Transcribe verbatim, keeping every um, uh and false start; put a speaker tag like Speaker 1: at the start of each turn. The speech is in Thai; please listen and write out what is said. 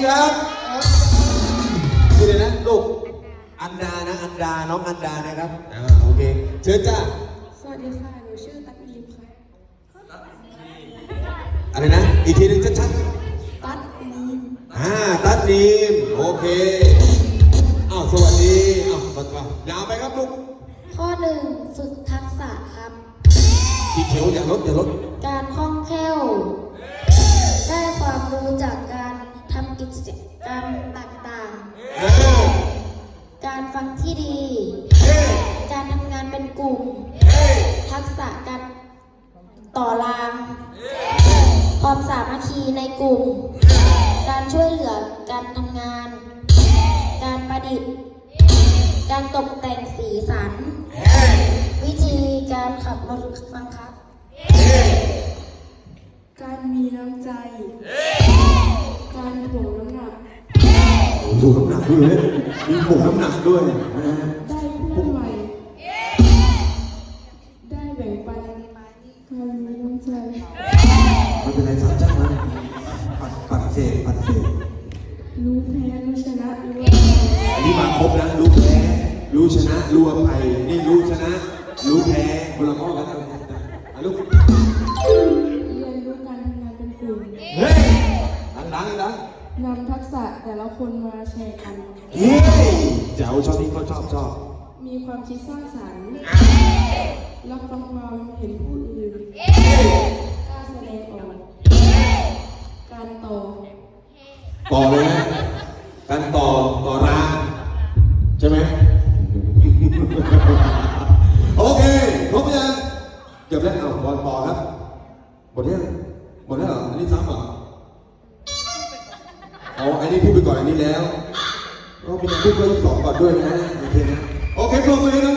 Speaker 1: ครับชื่ออะไรนะลูกอันดานะอันดาน้องอันดานะครับอ่าโอเคเชิญจ้า
Speaker 2: สวัสดีค่ะหนูชื่อตั๊กนีมค่ะ
Speaker 1: อะไรนะอีกทีหนึงชัดๆ
Speaker 2: ตั๊กนีม
Speaker 1: อ่าตัดนีมโอเคอ้าวสวัสดีอ้าวมาต่อยาวไปครับลูก
Speaker 3: ข้อหนึ่งฝึกทักษะครับ
Speaker 1: สีเขียวอย่าลดอย่าลด
Speaker 3: การคล่องแคล่ว ได้ความรู้จากการทำกิจกรรมต่างๆ การฟังที่ดี การทำงานเป็นกลุ่ม ทักษะการต่อราง ความสามัคคีในกลุ่ม การช่วยเหลือการทำงาน การประดิษฐ์ การตกแต่งสีสัน วิธีการขับรถบังคับ
Speaker 2: การมีน้ำใจ การถ่วงน้ำหนัก
Speaker 1: ดูน้ำหนักด้วยมีผงน้ำหนักด้วยนะฮะ
Speaker 2: ได้เพื่อนใหม่ ได้แบ่งปันการมีน้ำใจ
Speaker 1: มันเป็นอะไรสามจ้านะปัดปัดเศษปัดเศษ
Speaker 2: รู้แพ้รู้ชนะรู้
Speaker 1: อันนี้มาครบนะรู้แพ้รู้ชนะรู้อภัยนี่รู้ชนะรู้แพ้คนละข้อกันนะอ่ะลูก
Speaker 2: เรียนรู้การทำงานเป็นกลุ่ม
Speaker 1: เฮ้ยดังๆดัง
Speaker 2: นำทักษะแต่ละคนมาแชร์กัน
Speaker 1: เฮ้ยเจ้าชอบที่เขาชอบชอบ
Speaker 2: มีความคิดสร้างสรรค์รับฟังความเห็นผู้อื่นกล้าแสดงออกการต่อ
Speaker 1: ต่อเลยนะการต่อต่อรางใช่ไหมโอเคครบยังเก็บแล้วเอาบอลต่อครับหมดยังหมดแล้วเหรออันนี้ซ้ำเหรอเอาอันนี้พูดไปก่อนอันนี้แล้วก็มีพูดไปสองก่อนด้วยนะโอเคนะโอเคปรบมือนะ